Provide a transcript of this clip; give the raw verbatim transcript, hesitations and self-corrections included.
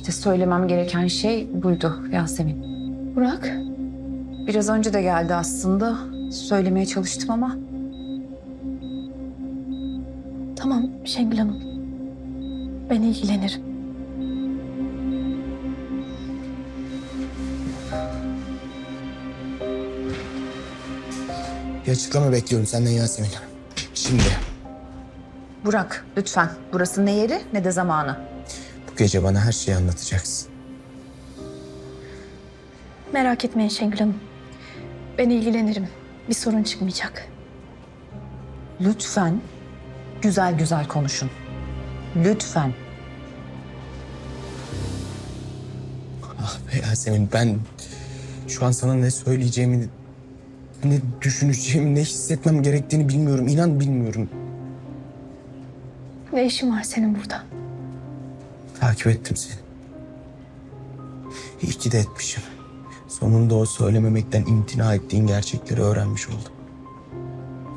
İşte söylemem gereken şey buydu Yasemin. Burak, Biraz önce de geldi aslında. Söylemeye çalıştım ama tamam Şengül Hanım. Ben ilgilenirim. Bir açıklama bekliyorum senden Yasemin. Şimdi Burak lütfen. Burası ne yeri ne de zamanı. bu gece bana her şeyi anlatacaksın. Merak etmeyin Şengül Hanım. Ben ilgilenirim. Bir sorun çıkmayacak. Lütfen güzel güzel konuşun. Lütfen. Ah be Yasemin, ben şu an sana ne söyleyeceğimi, ne düşüneceğimi, ne hissetmem gerektiğini bilmiyorum. İnan bilmiyorum. Ne işin var senin burada? Takip ettim seni. İyi ki de etmişim. Sonunda o söylememekten imtina ettiğin gerçekleri öğrenmiş oldum.